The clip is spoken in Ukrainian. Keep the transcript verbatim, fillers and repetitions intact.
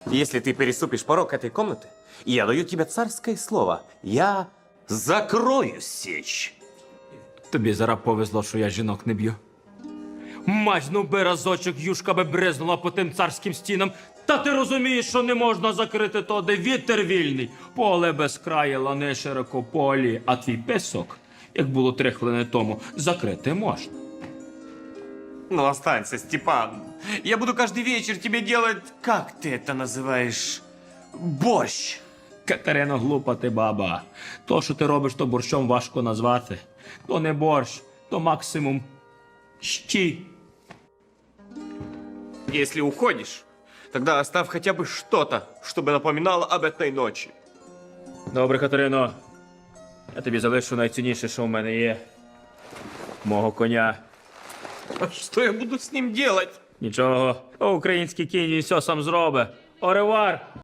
Если ты переступишь порог этой комнаты, я даю тебе царское слово. Я закрою сечь. Тобі зараз повезло, що я жінок не б'ю. Мазьну би разочок, юшка би бризнула по тим царським стінам. Та ти розумієш, що не можна закрити то, де вітер вільний. Поле без краю, лани широкополі, а твій песок, як було три хвилини тому, закрити можна. Ну, останься, Степан. Я буду каждый вечер тебе делать, как ты это называешь, борщ. Катерино, глупа ти баба. То, що ти робиш, то борщом важко назвати. То не борщ, то максимум щі. Если уходишь, тогда оставь хотя бы что-то, чтобы напоминало об этой ночи. Добре, Катерино. Я тобі залишу найцінніше, що в мене є. Мого коня. А что я буду с ним делать? Нічого. Український кінь він все сам зробить. Оревар!